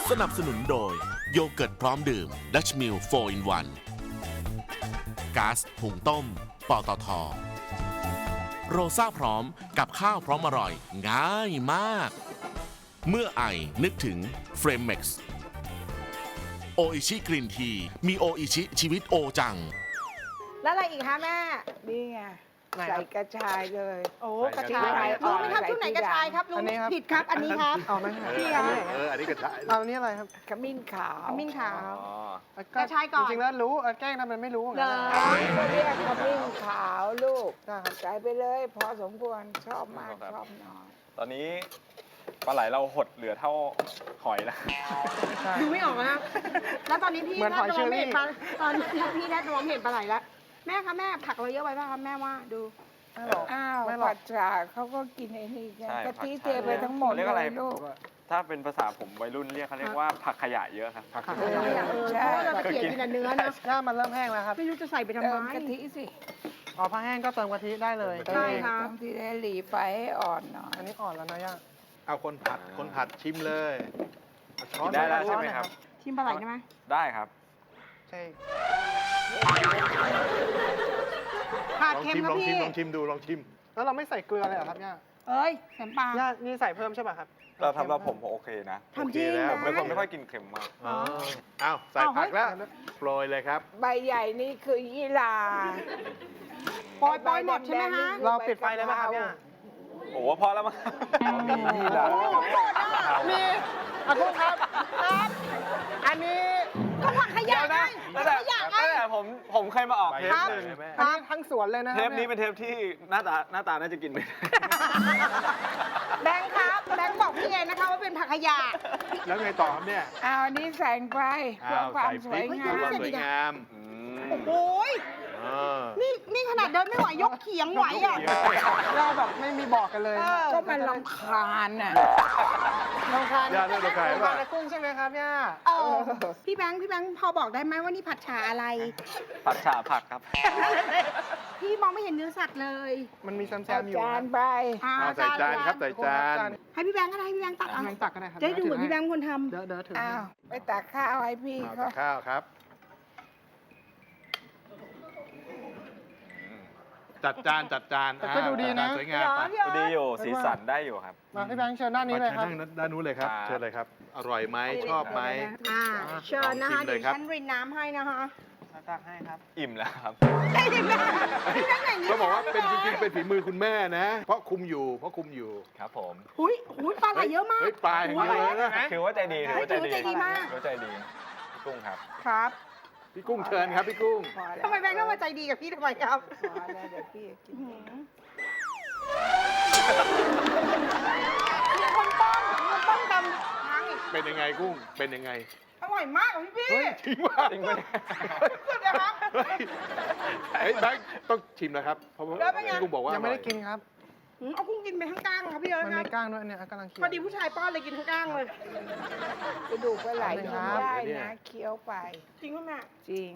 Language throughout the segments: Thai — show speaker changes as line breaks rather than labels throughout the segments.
สนับสนุนโดยโยเกิร์ตพร้อมดื่ม Dutch Mill 4 in 1ก๊าซหุงต้มปตท.โรซ่าพร้อมกับข้าวพร้อมอร่อยง่ายมาก เมื่อไอนึกถึงเฟรมเม็กซ์โออิชิกรีนทีมีโออิชิชีวิตโอจัง
แล้วอะไรอีกคะแม่
นี่ไง
ไหนครับ
ใส่กระชายเลย
โอ้
ใส่
กระชาย
กระชาย
รู้ไหมครับชุดไหนกระชายครับลุ
อั
ง
นนี้ครับ
ผิดครับ อันนี้ครับ
เอาไหมครับ
พี่ครับ
อันนี้กระชาย
เอานี่อะไรครับ
ขมิ้นขาว
ขมิ้นขาว
อ๋อ
กระชายก่อน
จริงๆแล้วรู้แกล้งทำเป็นไม่รู้
เหรอ
เขาเรียกขมิ้นขาวลูก
ได้ครับ
ใส่ไปเลย พอสมควรชอบมากชอบน้อย
ตอนนี้ปลาไหลเราหดเหลือเท่าหอยแล้ว
ใช่
ดูไม่ออกนะครับแล้วตอนนี้พี่
เหมือนหอยเชอรี่
เห็นปลาตอนนี้พี่แทบจะมองไม่เห็นปลาไหลแล้วแม่คะแม่ผักเราเยอะไปป่ะคะแม่ว่าดู
ไม่หรอก
อ้าว
ไม่หรอก
ผัดฉาเขาก็กินไอ้นี่กัน
ใช่
กะทิ
ผัดฉ่า
เทไปทั้งหมด
เขาเรียกอะไร
เลยลูก
ถ้าเป็นภาษาผมวัยรุ่นเรียกเขาเรียกว่าผักขยะเยอะครับ
ผัก
เออเพราะว่าเราตะเกียบกินแต่เนื้อนะ
ถ้ามันเริ่มแห้งแล้วครับ
ไม่รู้จะใส่ไปทำ
เติ
ไม
มกะทิสิ
อ๋อพอแห้งก็เติมกะทิได้เลย
ใช่ค่ะ
เติมทีได้หลีไฟให้อ่อนหน่อย
อันนี้อ่อนแล้วนะย่า
เอาคนผัดชิมเลยเอาช้อน
ได้แล้ว
มา
ใช่ไหมครับ
ชิมปลาไหลได้ไหม
ได้ครับ
ใช่
ผัด
ลอง
เค็ม
ชิม
ครับพี่
ลองชิมดูลองชิม
แล้วเราไม่ใส่เกลือเลยเหรอครับย่า
เอ้ยแสมปลา
ย่านี่ใส่เพิ่มใช่ป่ะครับ
เราทำเราผมโอเคนะ
ทำจริง
โอเคแล้ว
นะ
เป็นคนไม่ค่อยกินเค็มมาก
อ๋อเอาใส่ผักแล้วโปรยเลยครับ
ใบใหญ่นี่คือยี่หร่า
ปล่อยหมดใช่ไหมฮะ
เราปิดไฟเลยไหมครับย่า
โอ้โหพอแล้วมั้งมีนี่ละ
มีอากุ้งครับ อันนี้
ก็ผักขยะไง
ตั้ง
ผั
แต่
กขยะไง
ตั้งแต่ผมเคยมาออกเทปหนึ่ง
อันนี้ทั้งสวนเลยนะ
เทปนี้เป็นเทปที่หน้าตาน่าจะกินไม่ได้
แบงค์ครับแบงค์บอกพี่เองนะคะว่าเป็นผักขยะ
แล้วไงต่อครับเนี่ย
เอาอันนี้ใส่ไปเพื่อ
อ้าว
ความ
ใส่
ส
พ
ว
ริ
ย
ก
งา
เพื่อ
ม
ความสวยงาม
อืม
โอ้ย
เออ
นี่ขนาดเดินไม่ไหวยกเขียงไหวอ่ะ
เราแบบไม่มีบอกกันเลย
เออ
ก็มันรำคาญน่ะ
ลองทาน
ย่าเลือกเราขายป่ะ
ทานกุ้งใช่ไหมครับย่า
เออพี่แบงค์พอบอกได้ไหมว่านี่ผัดฉาอะไร
ผัดฉ่าผักครับ
พี่มองไม่เห็นเนื้อสัตว์เลย
มันมีแซ
เอา
มๆอยู่
จานไป
เอาใส่จานครับใส่จาน
ให้พี่แบงค์ก็ได้ให้พี่แบงค์ตักเอา
แบงค์ตักก็ได้ครับ
จะได้ดูเหมือนพี่แบงค์เป็นคนทำ
เดี๋ยวถือ
อ้าวไปตักข้าวให้พี่
เอา
เขา
แต่ข้าวครับ จัดจาน
แต่ก็ดูดีนะ
จัดจาสวยงามไป
พี่เอ๋
ดีอยู่สีสันได้อยู่ครับ
มาพี่แบงค์เชิญด้านนี้เลยครับ
มาเชิญนั่งด้านนู้นเลยครับ
ครับ
เชิญเลยครับ อร่อยไหมชอบไหม
เชิญนะคะ
ลองชิมเล
เดี๋
ย
ยว
ครับ
ฉันรินน้ำให้นะคะ
ตักให้ครับ
อิ่มแล้วครับ
ได้ยินไหมพี่แบงค์อย่างนี้
ก็บอกว่าเป็นจริงๆเป็นฝีมือคุณแม่นะ เพราะคุมอยู่
ครับผม
หุยปลาไหลเยอะมาก
เฮ้ยปลาอย่างนี้เลยนะ
ถือว่าใจดีถือว่าใจดี
ถือว่าใจดีมาก
ถือว่าใจดีพี่กุ้งครับ
ครับ
พี่กุ้งเชิญครับพี่กุ้ง
พอแล้ว
ทำไมแบงค์ต้องมาใจดีกับพี่ทำไมครับ
พอแล้วเดี๋ยวพี่กิน
มีคนป้องทำทางอีก
เป็นยังไงกุ้ง เป็นยังไง
อร่อยมากพี่
เฮ้ยจริงป่ะ
จริงปะเนี่ย
สุดนะครับ
เฮ้ยแบงค์ต้องชิมนะครับ เพราะว่า
แล้วเป็นไง
พี่กุ้งบอกว่า
ยังไม่ได้
อร่อ
กินครับ
เอากุ้งกินไปทั้งก้างครับพี่เอิร์ธ
มัน
ครั
มี
บ
ก้างด้วยเนี่ยกำลังเคี้ยว
พอดีผู้ชายป้อนเลยกินทั้งก้างเลย
กระดูกปลาไหล
ค
กิ
รั
น
บ
ได้นะเคี้ยวไป
จริงป่ะแม่
จริง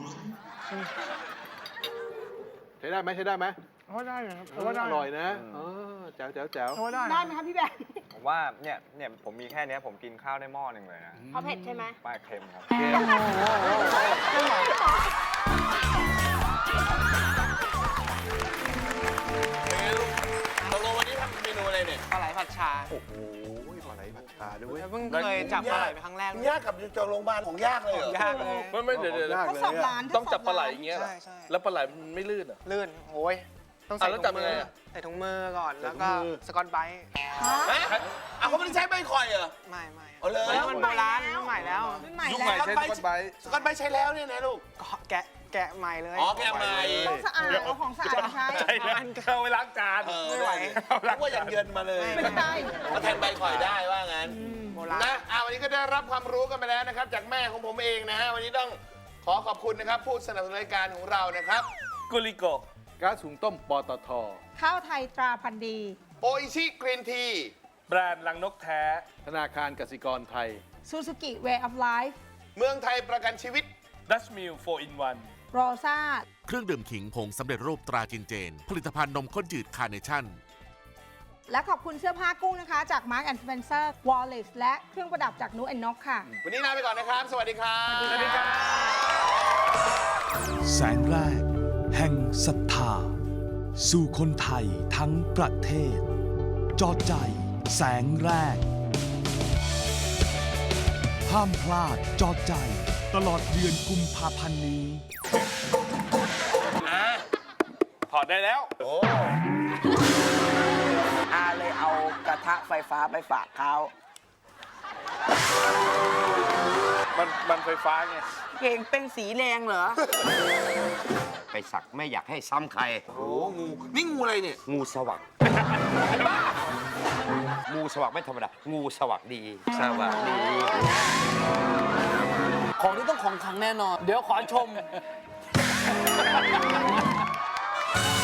ใช้ได้ไหมใช้ได้ไหม
เพราะได้นะครับเพราะว่าได้
อร่อยนะเออแจ๋วแจ๋วแจ๋ว
เพราะว่าได้
ได้ไหมครับพี่แบงค์
ผมว่าเนี่ยผมมีแค่เนี้ยผมกินข้าวได้หม้อหนึ่งเลยนะ
เอาเผ็ดใช่ไหม
ป้าเค็มครับ
ตกลงวันนี้ทำเมนูอะไรเนี่ย
ปลาไหลผัดชา
โอ้โหปลาไหลผัดชาด้วย
เพิ่งเคยจับปลาไหลไปครั้งแรก
ยากกับจองโรงพยาบาลของยากเลยเหรอย
ากเลย
ไม่เดี๋ยว
ยาก
ทด
เลย
สอบร้าน
ต้องจับปลาไหลอย่างเงี้ยเหรอ
ใช่ใช่
แล้วปลาไหลมันไม่ลื่นเหรอ
ลื่นโอ้ยต้อง
อ่ะ
ใส่
แล้ว
ถุ
จับ
ง
ยั
มื
งไง
อ
อ่ะ
ใส่ถุงมือก่อน
ใส่
แล้วก็
ถุงมือ
สกอตไบรท์
เขาไม่ได้ใช้ใบข่อยเหรอ
ไม่
เอาเลย
แล้วมันโบราณรุ่นใหม่แล้ว
รุ่นใหม่
ยุค
แล้
ใหม่
ว
ใช้สกอตไบรท์
สกอตใบใช้แล้วเนี่ยนะลูก
ก็แกะใหม่เลย
อ๋อแกะใหม่
ต้องสะอาดเอาของสะอาดมาใช้
ใช่นะเอาไว้ล้างจาน
ไม่ไหว
นึกว่าอย่างเยินมาเลย
ไม่ได้
มาแทนใบข่อยได้ว่างั้น
โบราณ
นะวันนี้ก็ได้รับความรู้กันไปแล้วนะครับ จากแม่ของผมเองนะฮะ วันนี้ต้องขอขอบคุณนะครับ ผู้สนับสนุนรายการของเรานะครับ
กุลิโกะ
ก๊าซหุงต้มปตท
ข้าวไทยตราพันธุ์ดี
โออิชิกรีนที
แบรนด์ลังนกแท้
ธนาคารกสิกรไทย
ซูซูกิ Way of Life
เมืองไทยประกันชีวิต
Dutch Mill 4 in 1
โรซ่า
เครื่องดื่มขิงผงสำเร็จรูปตราจินเจน ผลิตภัณฑ์นมข้นจืดคาร์เนชั่น
และขอบคุณเสื้อผ้ากุ้งนะคะ จาก Mark & Spencer Wallace และเครื่องประดับจากนูแอนนกค่ะ
วันนี้ลาไปก่อนนะครับ สวัสดีครับ
สวัสดีครับ
แสงแรก แห่งศรัทธา สู่คนไทยทั้งประเทศ จอดใจแสงแรก ห้ามพลาดจอดใจตลอดเดือนกุมภาพันธ์นี้
ถอดได้แล้ว
อาเลยเอากระทะไฟฟ้าไปฝากเขา
มันไฟฟ้าไง
เก่งเป็นสีแดงเหรอ
ไปสักไม่อยากให้ซ้ำใคร
โอ้งู นี่งูอะไรเนี่ย
งูสวักงูสวักไม่ธรรมดา งูสวักดี สวักดี
ของที่ต้องของขลังแน่นอน เดี๋ยวขอชม